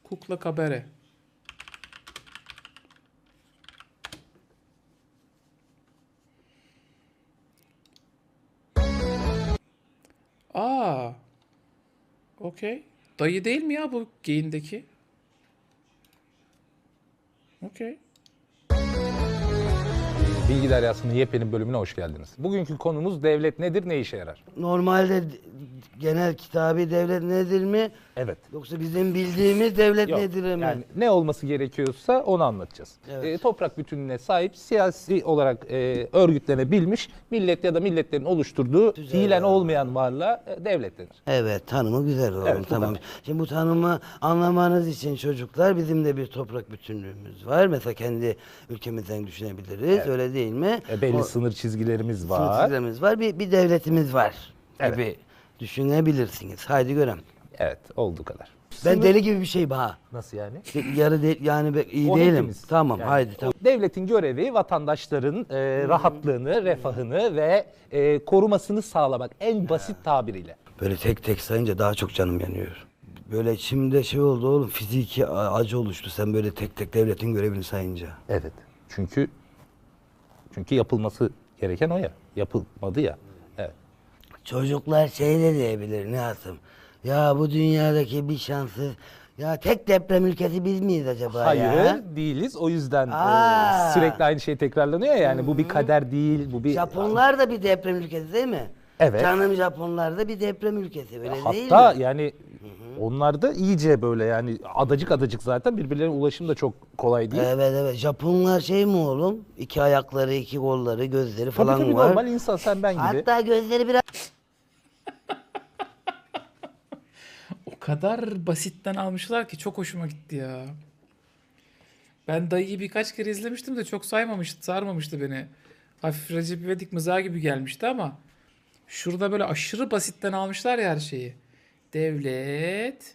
Kukla kabare. Aa. Okey. Dayı değil mi ya bu geyindeki? Okey. Bilgi Deryası'nın yepyeni bölümüne hoş geldiniz. Bugünkü konumuz devlet nedir, ne işe yarar? Normalde genel kitabi devlet nedir mi? Evet. Yoksa bizim bildiğimiz devlet Yok, nedir mi? yani ne olması gerekiyorsa onu anlatacağız. Evet. Toprak bütünlüğüne sahip, siyasi olarak örgütlenebilmiş millet ya da milletlerin oluşturduğu fiilen olmayan varlığa devlet denir. Evet, tanımı güzel oğlum, Evet, bu tamam. kadar. Şimdi bu tanımı anlamanız için çocuklar bizim de bir toprak bütünlüğümüz var. Mesela kendi ülkemizden düşünebiliriz, öyle değil mi? Belli sınır çizgilerimiz sınır var. çizgilerimiz var, bir devletimiz var Evet. gibi düşünebilirsiniz. Haydi görelim. Evet, olduğu kadar. Ben deli gibi bir şey ha. Nasıl yani? Yarı yani iyi O değilim. hepimiz. Tamam, Yani haydi tamam. devletin görevi vatandaşların rahatlığını, refahını ve korumasını sağlamak en basit tabiriyle. Böyle tek tek sayınca daha çok canım yanıyor. Böyle içimde şey oldu oğlum, fiziki acı oluştu sen böyle tek tek devletin görevini sayınca. Evet. Çünkü yapılması gereken o ya. Yapılmadı ya. Evet. Çocuklar şey de diyebilir Nihat'ım. Ya bu dünyadaki bir şansı, ya tek deprem ülkesi biz miyiz acaba Hayır, ya? değiliz. O yüzden Aa. sürekli aynı şey tekrarlanıyor ya. Yani bu bir kader değil, bu bir Japonlar da bir deprem ülkesi değil mi? Evet. Canım Japonlar da bir deprem ülkesi öyle değil mi? hatta yani onlar da iyice böyle yani adacık adacık zaten birbirlerine ulaşım da çok kolay değil. Evet evet, Japonlar şey mi oğlum? İki ayakları, iki kolları, gözleri Tabii falan tabii var. normal insan sen ben gibi. Hatta gözleri biraz O kadar basitten almışlar ki çok hoşuma gitti ya. Ben dayıyı birkaç kere izlemiştim de çok sarmamıştı beni. Hafif Recep İvedik mızığa gibi gelmişti ama şurada böyle aşırı basitten almışlar ya her şeyi. Devlet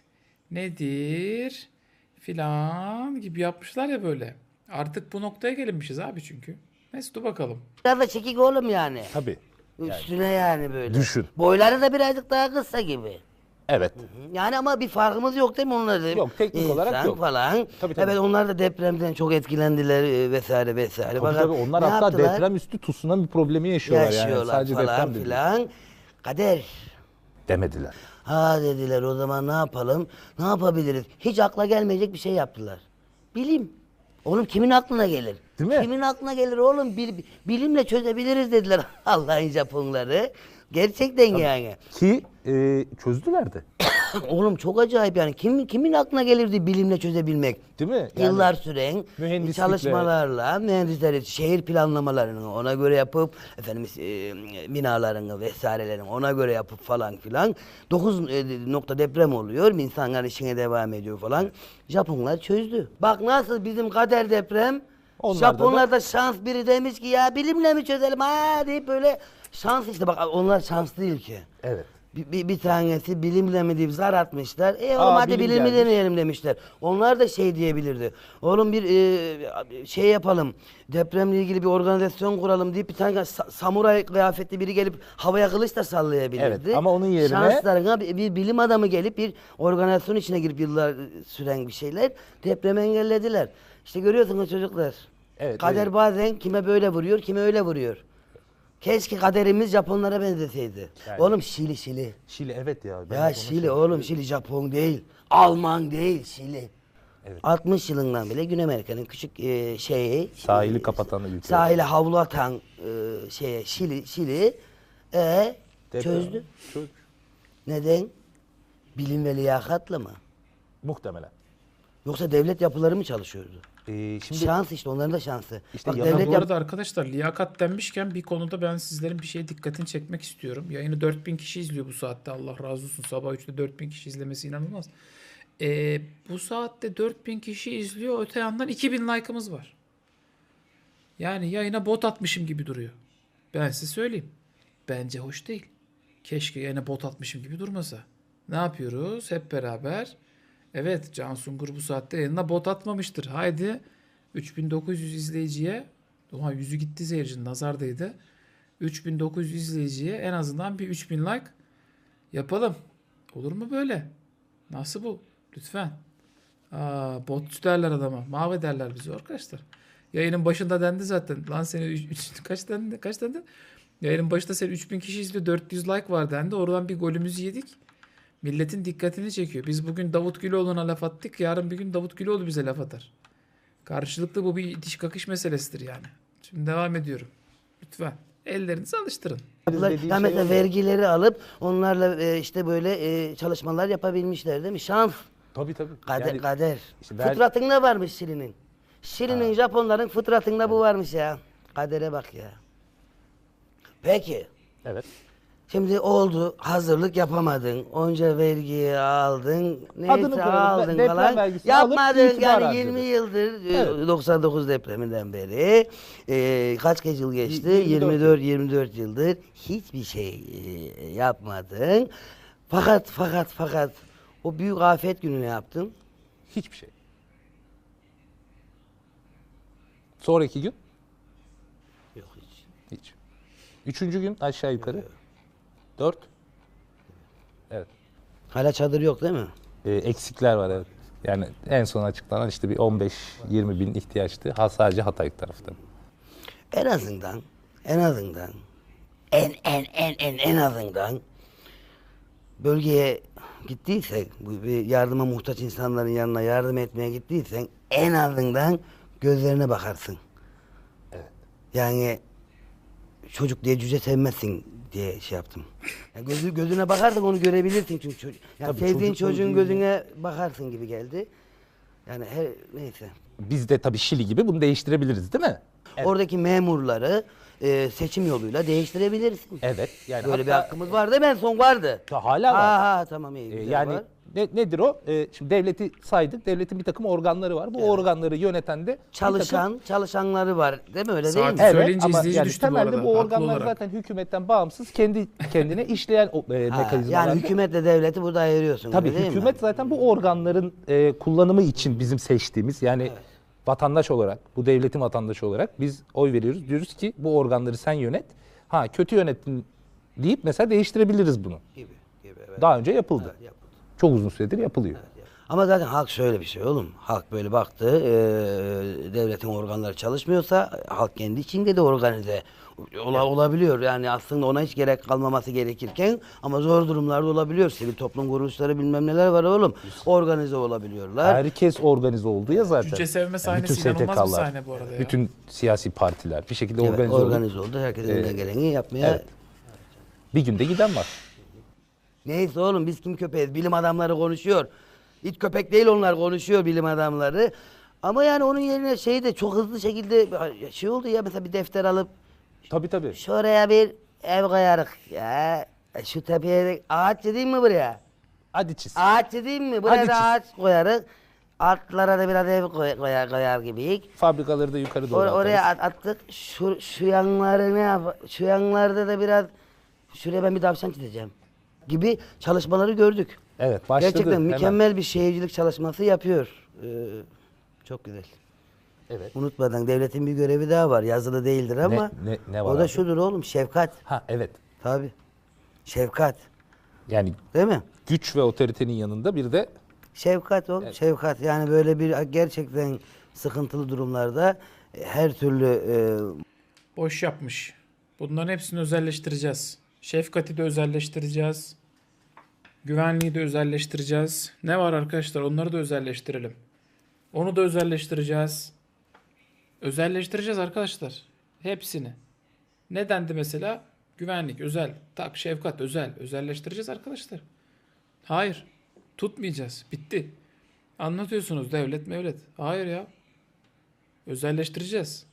nedir filan gibi yapmışlar ya böyle. Artık bu noktaya gelinmişiz abi çünkü. Neyse dur bakalım. da çekik oğlum yani. Tabii. Üstüne yani böyle. Düşün. Boyları da birazcık daha kısa gibi. Evet. Yani ama bir farkımız yok değil mi onlarda? Yok, teknik olarak İnsan yok. falan. Tabii, tabii. Evet, onlar da depremden çok etkilendiler vesaire vesaire. Tabii Fakat tabii onlar ne hatta yaptılar? deprem üstü tsunami problemi yaşıyorlar, yani. Yaşıyorlar Sadece falan deprem de değil. filan. Kader. Demediler. Ha dediler, o zaman ne yapalım? Ne yapabiliriz? Hiç akla gelmeyecek bir şey yaptılar. Bilim. Oğlum kimin aklına gelir? Değil mi? Kimin aklına gelir oğlum? Bilimle çözebiliriz dediler Allah'ın Japonları. Gerçekten yani. Ki çözdüler de. Oğlum çok acayip yani. Kimin aklına gelirdi bilimle çözebilmek? Değil mi? Yani Yıllar süren mühendislikle- çalışmalarla mühendisler şehir planlamalarını ona göre yapıp efendim binalarını vesairelerini ona göre yapıp falan filan 9 nokta deprem oluyor. İnsanlar işine devam ediyor falan. Japonlar çözdü. Bak nasıl bizim kader deprem. Onlarda Japonlar da şans, biri demiş ki ya bilimle mi çözelim ha deyip böyle şans işte, bak onlar şans değil ki. Evet. Bir tanesi bilimle mi deyip zar atmışlar. Oğlum Aa, hadi bilim bilimi gelmiş. deneyelim demişler. Onlar da şey diyebilirdi. Oğlum bir şey yapalım. Depremle ilgili bir organizasyon kuralım deyip bir tane samuray kıyafetli biri gelip havaya kılıç da sallayabilirdi. Evet, ama onun yerine- şanslarına bir bilim adamı gelip bir organizasyon içine girip yıllar süren bir şeyler depremi engellediler. İşte görüyorsunuz çocuklar. Evet, Kader öyle. bazen kime böyle vuruyor, kime öyle vuruyor. Keşke kaderimiz Japonlara benzeseydi. Yani- Oğlum Şili. Şili evet ya. Ben de Ya onu Şili oğlum, Şili Japon değil. Alman değil, Şili. Evet. 60 yılından bile Güney Amerika'nın küçük şeyi. Sahili kapatan ülke. Sahile havlu atan Şili Deprem. çözdü. Çöz. Neden? Bilim ve liyakatla mı? Muhtemelen. Yoksa devlet yapıları mı çalışıyordu? Şimdi Şans işte, onların da şansı. İşte Bak, yalan devlet Bu arada arkadaşlar liyakat denmişken bir konuda ben sizlerin bir şeye dikkatini çekmek istiyorum. Yayını 4000 kişi izliyor bu saatte. Allah razı olsun. Sabah 3'te 4000 kişi izlemesi inanılmaz. Bu saatte 4000 kişi izliyor. Öte yandan 2000 like'ımız var. Yani yayına bot atmışım gibi duruyor. Ben size söyleyeyim. Bence hoş değil. Keşke yayına bot atmışım gibi durmasa. Ne yapıyoruz? Hep beraber. Evet, Can Sungur bu saatte yayına bot atmamıştır. Haydi 3900 izleyiciye, oha yüzü gitti seyircinin, nazardaydı. 3900 izleyiciye en azından bir 3000 like yapalım. Olur mu böyle? Nasıl bu? Lütfen. Botçu derler adama. Mahvederler bizi arkadaşlar. Yayının başında dendi zaten. Lan seni kaç dendi? Kaç dendi? Yayının başında seni 3000 kişi izliyor. 400 like var dendi. Oradan bir golümüzü yedik. Milletin dikkatini çekiyor. Biz bugün Davut Güloğlu'na laf attık. Yarın bir gün Davut Güloğlu bize laf atar. Karşılıklı bu bir itiş kakış meselesidir yani. Şimdi devam ediyorum. Lütfen. Ellerinizi alıştırın. Dediğin Ya şey mesela o. vergileri alıp onlarla işte böyle çalışmalar yapabilmişler değil mi? Şans. Tabii. Kader. Yani Kader. işte ben- Fıtratında varmış Şili'nin. Şili'nin, Japonların fıtratında bu varmış ya. Kadere bak ya. Peki. Evet. Şimdi oldu, hazırlık yapamadın, onca vergiyi aldın, Adını neyse koyalım, aldın deprem falan. vergisini alıp Yapmadın itibar yani harcadın. 20 yıldır, Evet. 99 depreminden beri, kaç yıl geçti? 24 yıldır hiçbir şey yapmadın. Fakat o büyük afet günü ne yaptın? Hiçbir şey. Sonraki gün Yok hiç. hiç. Üçüncü gün aşağı yukarı. 4. Evet. Hala çadır yok değil mi? Eksikler var evet. Yani en son açıklanan işte bir 15-20 bin ihtiyaçtı. Sadece Hatay tarafta. En azından en azından bölgeye gittiysen, bu bir yardıma muhtaç insanların yanına yardım etmeye gittiysen en azından gözlerine bakarsın. Evet. Yani çocuk diye cüce sevmezsin diye şey yaptım. Yani gözüne bakarsan onu görebilirsin çünkü çocuk. Yani Tabii, sevdiğin çocuk çocuğun gözüyle. gözüne bakarsın gibi geldi. Yani neyse. Biz de tabii Şili gibi bunu değiştirebiliriz değil mi? Evet. Oradaki memurları seçim yoluyla değiştirebilirsin. Evet. Yani Böyle bir hatta- hakkımız vardı. Ben son vardı. Hala var. Tamam iyi. güzel Yani var. nedir o? Şimdi devleti saydık. Devletin bir takım organları var. Bu organları yöneten de bir takım- Çalışanları var değil mi öyle değil Saat- mi? Söyleyince ama izleyici yani düştü bu temelde arada, bu haklı organlar olarak. zaten hükümetten bağımsız kendi kendine işleyen mekanizmalar. Yani hükümetle devleti burada ayırıyorsun. Tabii öyle değil mi? hükümet zaten bu organların kullanımı için bizim seçtiğimiz yani vatandaş olarak, bu devletin vatandaşı olarak biz oy veriyoruz. Diyoruz ki bu organları sen yönet. Ha kötü yönettin deyip mesela değiştirebiliriz bunu. Gibi, evet. Daha önce yapıldı. Yapıldı. Çok uzun süredir yapılıyor. Ama zaten halk şöyle bir şey oğlum. Halk böyle baktı, devletin organları çalışmıyorsa halk kendi içinde de organize olabiliyor. Yani aslında ona hiç gerek kalmaması gerekirken ama zor durumlarda olabiliyor. Sivil toplum kuruluşları bilmem neler var oğlum. Organize olabiliyorlar. Herkes organize oldu ya zaten. Cüce sevme Yani sahnesi bütün inanılmaz bir STK'lar, sahne bu arada ya. bütün siyasi partiler bir şekilde Evet, organize oldu. organize oldu. Herkes elinden geleni yapmaya. Evet. Bir günde giden var. Neyse oğlum biz kim köpeğiz? Bilim adamları konuşuyor. İt köpek değil onlar konuşuyor bilim adamları. Ama yani onun yerine şey de çok hızlı şekilde şey oldu ya mesela bir defter alıp Tabii. şuraya bir ev koyarız ya. Şu tepeye de ağaç dediğim mi buraya? Hadi çiz. Ağaç dediğim mi? Buraya Hadi da çiz. ağaç koyarız. Altlara da biraz ev koyar gibiyik. Fabrikaları da yukarı doğru Oraya atarız. attık. Şu yanları ne yap? Şu yanlarda da biraz şuraya ben bir tavşan çizeceğim gibi çalışmaları gördük. Evet başladı. Gerçekten hemen. mükemmel bir şehircilik çalışması yapıyor. Çok güzel. Evet. Unutmadan devletin bir görevi daha var. Yazılı değildir ama ne var o da abi? şudur oğlum şefkat. Ha evet. Tabii. Şefkat. Yani Değil mi? güç ve otoritenin yanında bir de Şefkat oğlum. Şefkat. Yani böyle bir gerçekten sıkıntılı durumlarda her türlü Boş yapmış. Bunların hepsini özelleştireceğiz. Şefkati de özelleştireceğiz. Güvenliği de özelleştireceğiz. Ne var arkadaşlar? Onları da özelleştirelim. Onu da özelleştireceğiz. Özelleştireceğiz arkadaşlar. Hepsini. Ne dendi mesela? Güvenlik, özel. Tak, şefkat, özel. Özelleştireceğiz arkadaşlar. Hayır. Tutmayacağız. Bitti. Anlatıyorsunuz devlet mevlet. Hayır ya. Özelleştireceğiz.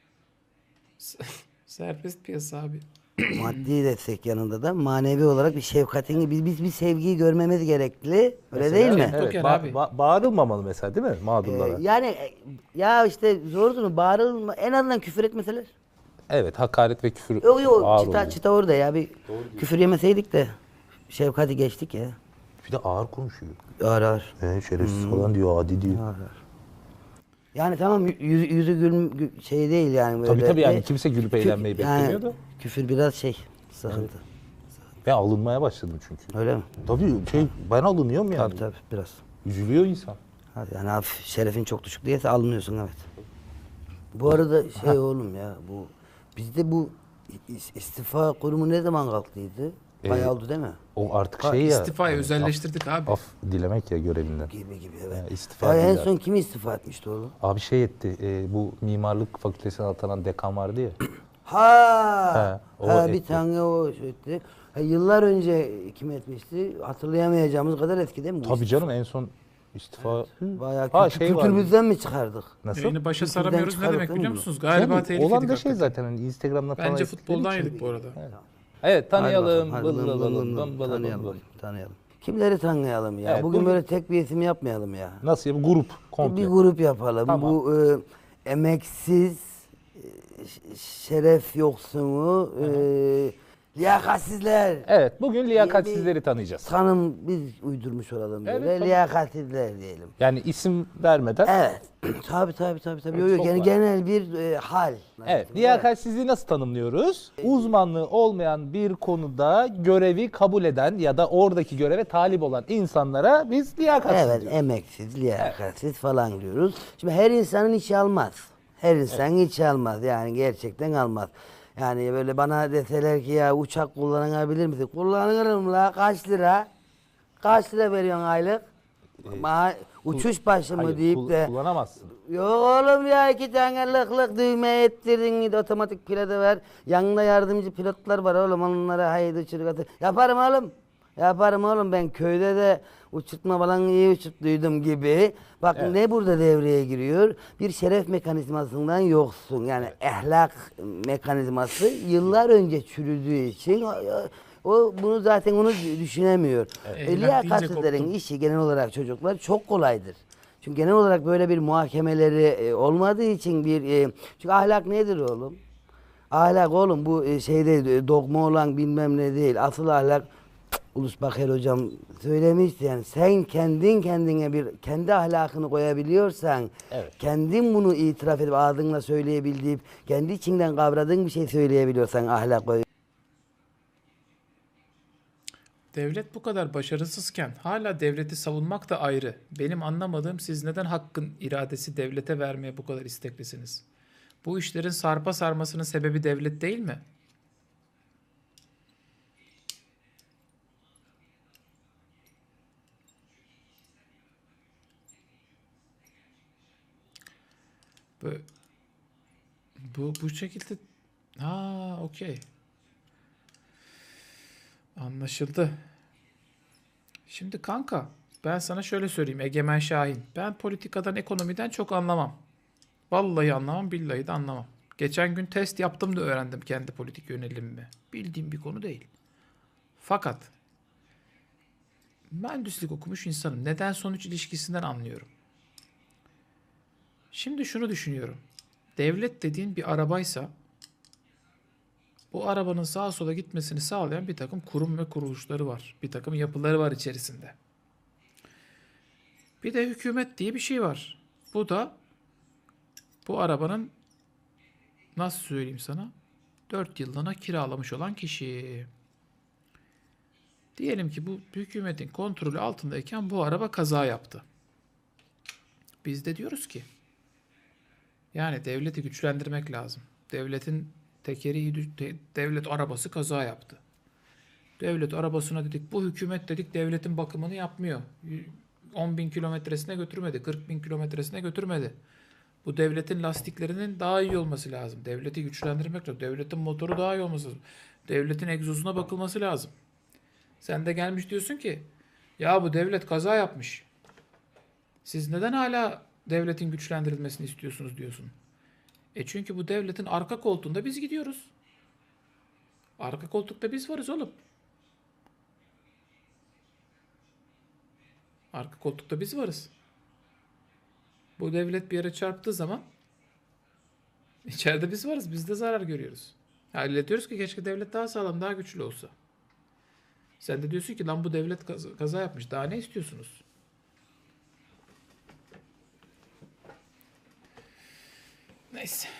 Serbest piyasa abi. maddi destek yanında da manevi olarak bir şefkatin, biz bir sevgiyi görmemiz gerekli. Öyle değil mi? Evet. Toker abi. bağırılmamalı mesela değil mi mağdurlara? Yani ya işte zor durum. Bağırılma, en azından küfür etmeseler. Evet hakaret ve küfür Yok ağır çıta, oluyor. çıta orada ya bir küfür yemeseydik de şefkati geçtik ya. Bir de ağır konuşuyor. Ağır ağır. Şerefsiz falan diyor adi diyor. Yani tamam yüzü şey değil yani böyle. Tabii yani kimse gülüp eğlenmeyi Yani beklemiyor da. küfür biraz şey sıkıntı. Ben alınmaya başladım çünkü. Öyle mi? Tabii ben alınıyorum yani. Tabii biraz. Üzülüyor insan. Hadi yani hafif şerefin çok düşük diyese alınıyorsun evet. Bu arada oğlum ya bu bizde bu istifa kurumu ne zaman kalktıydı? Bayağı oldu değil mi? O artık şey ya. İstifayı özelleştirdik abi. Af dilemek ya görevinden. Gibi evet. Yani istifa Ya en değil son kim istifa etmişti oğlum? Abi şey etti. Bu mimarlık fakültesine atanan dekan vardı ya. Ha o bir etti. tane o etti. Yıllar önce kim etmişti? Hatırlayamayacağımız kadar eski değil mi? bu Tabii istifa? canım en son istifa. Bayağı Ha, şey vardı. kültürümüzden mi çıkardık? Nasıl? Yayını başa Kültürden saramıyoruz ne çıkardık demek değil mi biliyor bunu? musunuz? Galiba Canım, tehlikeli. olan da şey zaten hani Instagram'da falan. Bence ettikleri futboldan için. yedik bu arada. Evet tanıyalım. Hadi bakalım, hadi tanıyalım. Tanıyalım. Kimleri tanıyalım ya? Evet, bugün bugün- böyle tek bir isim yapmayalım ya. Nasıl ya? Bu grup komple. Bir grup yapalım. Tamam. Bu emeksiz, şeref yoksunu, liyakatsizler. Evet bugün liyakatsizleri tanıyacağız. Tanım biz uydurmuş olalım böyle. Evet, tabii. Liyakatsizler diyelim. Yani isim vermeden. Evet. tabii. Yok, çok yani var. genel bir hal. Evet, liyakatsizliği nasıl tanımlıyoruz? Uzmanlığı olmayan bir konuda görevi kabul eden ya da oradaki göreve talip olan insanlara biz liyakatsiz Evet, diyoruz. emeksiz, liyakatsiz falan diyoruz. Şimdi her insanın işi almaz. Her insan işi almaz. Yani gerçekten almaz. Yani böyle bana deseler ki ya uçak kullanabilir misin? Kullanırım la kaç lira? Kaç lira veriyorsun aylık? Uçuş başı mı Hayır, deyip de kullanamazsın. yok oğlum ya 2 tane lık düğme ettirdin otomatik pilotu ver. Yanında yardımcı pilotlar var oğlum onlara haydi uçuruk atır. Yaparım oğlum ben köyde de uçurtma falan iyi uçurttuydum gibi. Bak Evet. ne burada devreye giriyor? Bir şeref mekanizmasından yoksun. Yani ahlak mekanizması yıllar önce çürüdüğü için o bunu zaten onu düşünemiyor. Evet. Liyakatsizlerin koptum. işi genel olarak çocuklar çok kolaydır. Çünkü genel olarak böyle bir muhakemeleri olmadığı için çünkü ahlak nedir oğlum? Ahlak oğlum bu şeyde dogma olan bilmem ne değil. Asıl ahlak Ulus Baker hocam söylemişti yani sen kendine kendi ahlakını koyabiliyorsan Evet. kendin bunu itiraf edip ağzınla söyleyebildiğin kendi içinden kavradığın bir şey söyleyebiliyorsan ahlak koy. Devlet bu kadar başarısızken hala devleti savunmak da ayrı. Benim anlamadığım siz neden hakkın iradesi devlete vermeye bu kadar isteklisiniz? Bu işlerin sarpa sarmasının sebebi devlet değil mi? Bu, bu şekilde okey. Anlaşıldı. Şimdi kanka ben sana şöyle söyleyeyim Egemen Şahin. Ben politikadan ekonomiden çok anlamam. Vallahi anlamam billahi de anlamam. Geçen gün test yaptım da öğrendim kendi politik yönelimimi. Bildiğim bir konu değil. Fakat mühendislik okumuş insanım. Neden sonuç ilişkisinden anlıyorum. Şimdi şunu düşünüyorum. Devlet dediğin bir arabaysa bu arabanın sağa sola gitmesini sağlayan bir takım kurum ve kuruluşları var. Bir takım yapıları var içerisinde. Bir de hükümet diye bir şey var. Bu da bu arabanın nasıl söyleyeyim sana 4 yıllığına kiralamış olan kişi. Diyelim ki bu hükümetin kontrolü altındayken bu araba kaza yaptı. Biz de diyoruz ki yani devleti güçlendirmek lazım. Devletin devlet arabası kaza yaptı. Devlet arabasına dedik bu hükümet dedik devletin bakımını yapmıyor. 10.000 kilometresine götürmedi. 40.000 kilometresine götürmedi. Bu devletin lastiklerinin daha iyi olması lazım. Devleti güçlendirmek lazım. Devletin motoru daha iyi olması lazım. Devletin egzozuna bakılması lazım. Sen de gelmiş diyorsun ki ya bu devlet kaza yapmış. Siz neden hala devletin güçlendirilmesini istiyorsunuz diyorsun. Çünkü bu devletin arka koltuğunda biz gidiyoruz. Arka koltukta biz varız oğlum. Arka koltukta biz varız. Bu devlet bir yere çarptığı zaman içeride biz varız. Biz de zarar görüyoruz. Yani diyoruz ki keşke devlet daha sağlam, daha güçlü olsa. Sen de diyorsun ki lan bu devlet kaza yapmış. Daha ne istiyorsunuz? Neyse.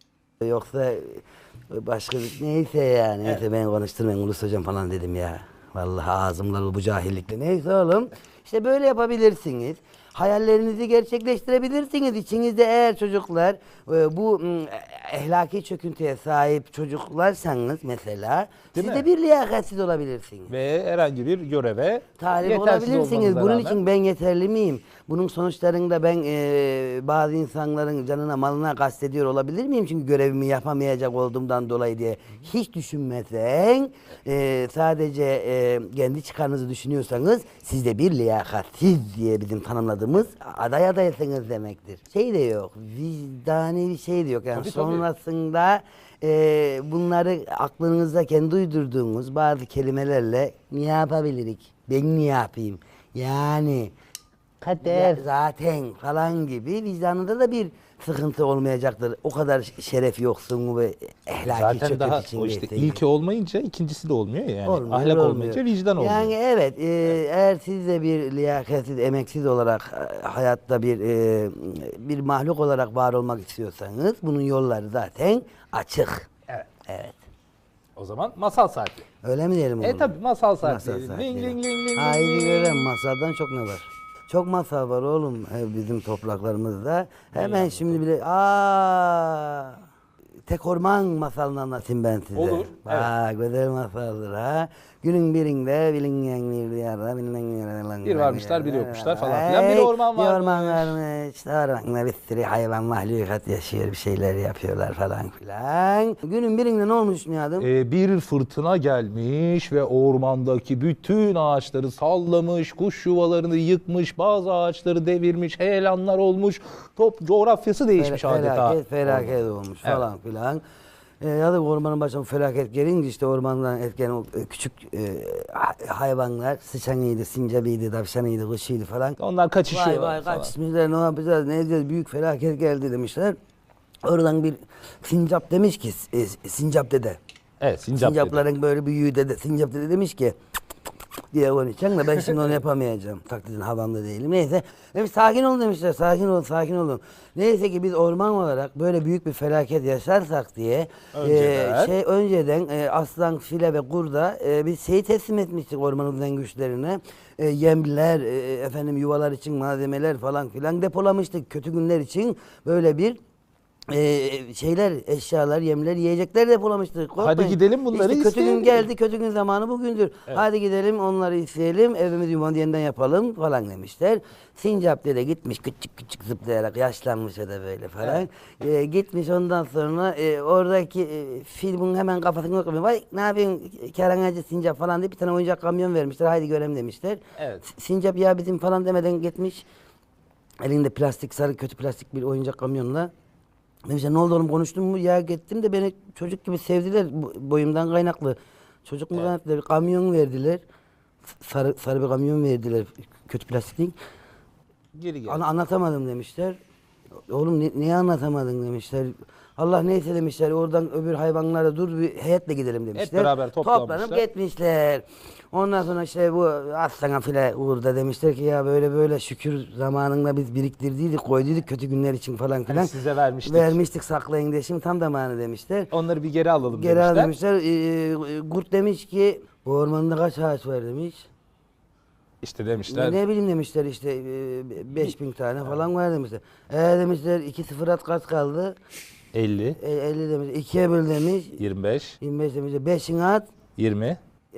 Yoksa başka neyse yani. Neyse ben konuşturmayayım Ulus hocam falan dedim ya. Vallahi ağzımla bu cahillikle. Neyse oğlum. İşte böyle yapabilirsiniz. Hayallerinizi gerçekleştirebilirsiniz. İçinizde eğer çocuklar bu ehlaki çöküntüye sahip çocuklarsanız mesela Değil siz mi? de bir liyakatsiz olabilirsiniz. Ve herhangi bir göreve Talip yetersiz olabilirsiniz. olmanıza Bunun rağmen- için ben yeterli miyim? Bunun sonuçlarında ben bazı insanların canına malına kastediyor olabilir miyim? Çünkü görevimi yapamayacak olduğumdan dolayı diye hiç düşünmesen sadece kendi çıkarınızı düşünüyorsanız siz de bir liyakatsiz diye bizim tanımladığımız adaysınız demektir. Şey de yok. Vicdani bir şey de yok. Yani Tabii, tabii. sonrasında bunları aklınızda kendi uydurduğunuz bazı kelimelerle ne yapabilirik? Ben ne yapayım? Yani kader zaten falan gibi vicdanında da bir sıkıntı olmayacaktır. O kadar şeref yoksunluğu ve ehlaki Zaten çöküntü daha o içindeyse. işte ilki olmayınca ikincisi de olmuyor ya yani. Olmuyor, Ahlak olmuyor. olmayınca vicdan olmuyor. Yani evet, eğer siz de bir liyakatsiz, emeksiz olarak hayatta bir mahluk olarak var olmak istiyorsanız bunun yolları zaten açık. Evet. Evet. O zaman masal saati. Öyle mi diyelim oğlum? Tabii masal saati. Masal diyelim. saati. Ling ling ling ling. Haydi ling. görelim, masaldan çok ne var? Çok masal var oğlum bizim topraklarımızda. Hemen şimdi bile tek orman masalını anlatayım ben size. Olur, Bak güzel masaldır ha. Günün birinde bilinmeyen bir diyarda bilinen Bir varmışlar, bir yokmuşlar falan filan. Bir orman Bir varmış. orman varmış. Ormanda bir sürü hayvan mahlukat yaşıyor. Bir şeyler yapıyorlar falan filan. Günün birinde ne olmuş Nihat'ım? Bir fırtına gelmiş ve ormandaki bütün ağaçları sallamış, kuş yuvalarını yıkmış, bazı ağaçları devirmiş, heyelanlar olmuş, coğrafyası değişmiş adeta. Felaket olmuş falan filan. Ya da ormanın başına felaket gelince işte ormandan etken o küçük hayvanlar, sıçanıydı, sincabıydı, tavşanıydı, kuşuydu falan. Onlar kaçışıyorlar Vay falan. kaçmışlar, ne yapacağız, ne edeceğiz, büyük felaket geldi demişler. Oradan bir sincap demiş ki, sincap dede. Evet, sincap dedi. Sincapların böyle büyüğü dede, sincap dede demiş ki diye konuşacağım da ben şimdi onu yapamayacağım. Taklidin havamda değilim. Neyse. Demiş sakin olun demişler. Sakin olun, sakin olun. Neyse ki biz orman olarak böyle büyük bir felaket yaşarsak diye önceden aslan, file ve kurda biz şeyi teslim etmiştik ormanımızdan güçlerine. Yemler, yuvalar için malzemeler falan filan depolamıştık. Kötü günler için böyle bir eşyalar, yemler, yiyecekler depolamıştık. Korkmayın. Hadi gidelim bunları İşte kötü isteyelim. gün geldi, kötü gün zamanı bugündür. Evet. Hadi gidelim onları isteyelim, evimizi yuvanı yeniden yapalım falan demişler. Sincap dede gitmiş küçük küçük zıplayarak, yaşlanmış o da böyle falan. Gitmiş ondan sonra oradaki fil bunun hemen kafasını okumuyor. Vay ne yapıyorsun kerangacı sincap falan diye bir tane oyuncak kamyon vermişler. Haydi görelim demişler. Evet. Sincap ya bizim falan demeden gitmiş. Elinde plastik, sarı kötü plastik bir oyuncak kamyonla. Demişler ne oldu oğlum konuştun mu? Ya gittim de beni çocuk gibi sevdiler boyumdan kaynaklı. Çocuk mu kaynaklı? Bir kamyon verdiler. Sarı bir kamyon verdiler. Kötü plastik değil. Geri gel. Anlatamadım demişler. Oğlum niye anlatamadın demişler. Allah neyse demişler oradan öbür hayvanlara dur bir heyetle gidelim demişler. beraber toplanmışlar. Toplanıp gitmişler. Ondan sonra işte bu aslana file uğurda demişler ki ya böyle böyle şükür zamanında biz biriktirdiydik koyduyduk kötü günler için falan filan. Hani size vermiştik. Vermiştik saklayın diye şimdi tam zamanı demişler. Onları bir geri alalım Geri al demişler. demişler. Kurt demiş ki bu ormanda kaç ağaç var demiş. İşte demişler. Ne bileyim demişler işte 5000 tane falan var demişler. Demişler 2-0 at kaç kaldı? 50, 50 demiş. 2'ye böl demiş. 25, 25 demiş. 5'ini at. 20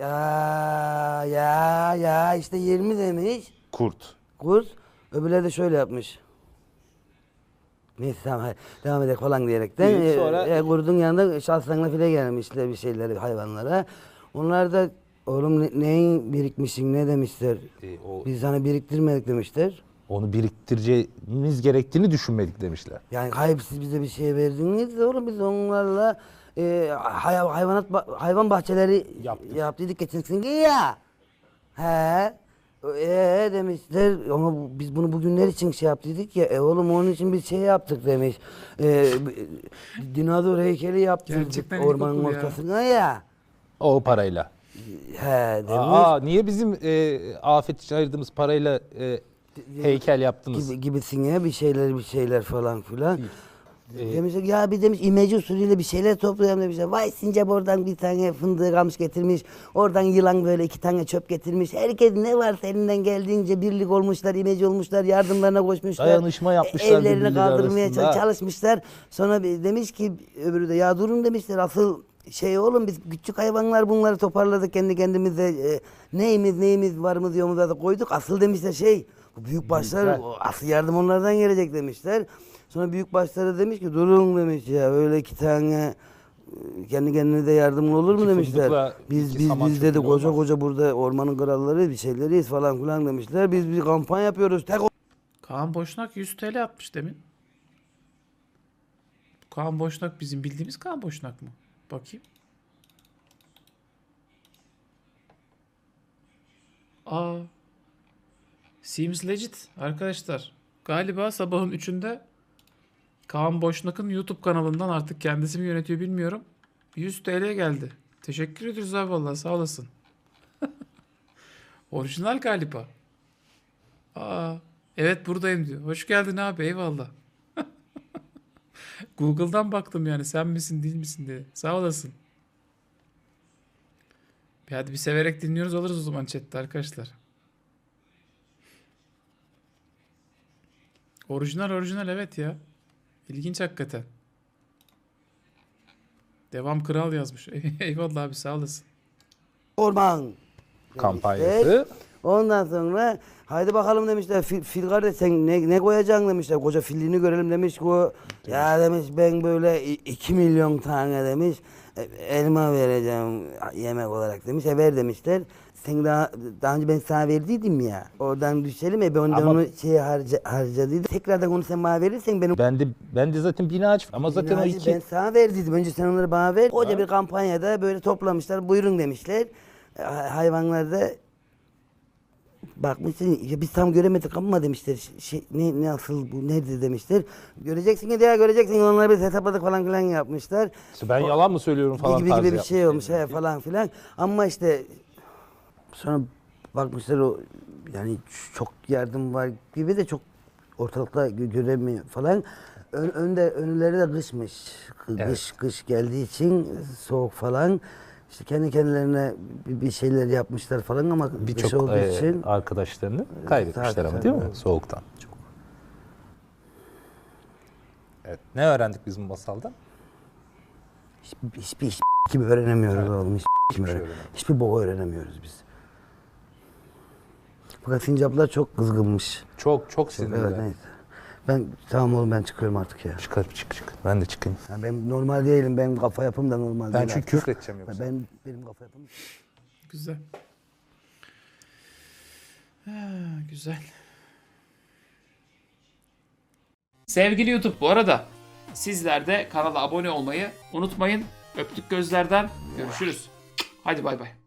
Ya işte 20 demiş. kurt. Kurt. Öbürleri de şöyle yapmış. Neyse tamam hadi devam edelim falan diyerekten. Sonra- Kurdun yanında şahsanla file gelmişler bir şeyleri hayvanlara. Onlar da oğlum neyin birikmişsin ne demişler. Biz sana biriktirmedik demişler. Onu biriktireceğimiz gerektiğini düşünmedik demişler. Yani hayır siz bize bir şey verdiniz de oğlum biz onlarla hayvan bahçeleri yaptıydık geçen sene ya. He. Demişler ama biz bunu bugünler için şey yaptıydık ya. Oğlum onun için bir şey yaptık demiş. Dinozor heykeli yaptırdık Gerçekten ormanın ilkokul ya. ortasına ya. O parayla. He demiş. Niye bizim afet için ayırdığımız parayla heykel yaptınız? Gibisine bir şeyler falan filan. Demişler ya bir demiş imece usulüyle bir şeyler toplayalım demişler. Vay sincap oradan bir tane fındığı kamış getirmiş. Oradan yılan böyle 2 tane çöp getirmiş. Herkes ne varsa elinden geldiğince birlik olmuşlar, imece olmuşlar, yardımlarına koşmuşlar. Dayanışma yapmışlar Evlerini birbirleri kaldırmaya arasında. çalışmışlar. Sonra demiş ki öbürü de ya durun demişler asıl şey oğlum biz küçük hayvanlar bunları toparladık kendi kendimize. Neyimiz varımız yoğumuz da koyduk. Asıl demişler şey bu büyük başlar asıl yardım onlardan gelecek demişler. Sonra büyük başları demiş ki durun demiş ya öyle 2 tane kendi kendine de yardımlı olur mu İki demişler. fındıkla Biz iki saman dedi çöpüyle koca olmaz. koca burada ormanın kralları bir şeyleriyiz falan filan demişler. Biz bir kampanya yapıyoruz. Tek Kaan Boşnak 100 TL atmış demin. Kaan Boşnak bizim bildiğimiz Kaan Boşnak mı? Bakayım. Aa. Seems legit arkadaşlar. Galiba sabahın 3'ünde Kaan Boşnak'ın YouTube kanalından artık kendisi mi yönetiyor bilmiyorum. 100 TL geldi. Teşekkür ederiz abi vallahi sağ olasın. Orijinal galiba. Aa, evet buradayım diyor. Hoş geldin abi eyvallah. Google'dan baktım yani sen misin değil misin diye. Sağ olasın. Hadi bir severek dinliyoruz oluruz o zaman chatte arkadaşlar. Orijinal evet ya. İlginç hakikaten. Devam kral yazmış. Eyvallah abi sağ olasın. orman Kampanyası. Ondan sonra haydi bakalım demişler fil kardeş sen ne koyacaksın demişler. Koca filliğini görelim demiş ki o ya demiş ben böyle 2 milyon tane demiş elma vereceğim yemek olarak demiş. Ver demişler. Sen daha önce ben sana verdiydim ya. Oradan düşelim ben Ama- onu harcadıydım. Tekrardan onu sen bana verirsen benim Ben de zaten bina aç ama zaten o İnacı iki ben sana verdiydim. Önce sen onları bana ver. Koca bir kampanyada böyle toplamışlar. Buyurun demişler. Hayvanlar da bakmışsın ya biz tam göremedik ama demişler. Ne asıl bu nedir demişler. Göreceksin ya göreceksin. Onları biz hesapladık falan filan yapmışlar. İşte ben yalan mı söylüyorum falan Gibi tarzı bir şey yapmış. olmuş falan filan. Ama işte sonra bakmışlar o yani çok yardım var gibi de çok ortalıkta göremiyor falan. Önleri de kışmış. Kış geldiği için soğuk falan. İşte kendi kendilerine bir şeyler yapmışlar falan ama kış Birçok olduğu için arkadaşlarını kaybetmişler tabii, ama tabii. değil mi? Soğuktan. Evet. Ne öğrendik biz bu masaldan? hiçbir gibi öğrenemiyoruz oğlum. Hiçbir şey öğrenemedik. Hiçbir boku öğrenemiyoruz biz. Fakat sincaplar çok kızgınmış. Çok sinirler. Evet neyse. Ben tamam oğlum ben çıkıyorum artık ya. Çık. Ben de çıkayım. Ya ben normal değilim. Benim kafa yapım da normal Ben değil. çünkü artık. küfür edeceğim yoksa. Benim kafa yapım. Güzel. Ha, güzel. Sevgili YouTube bu arada sizler de kanala abone olmayı unutmayın. Öptük gözlerden. Görüşürüz. Hadi bay bay.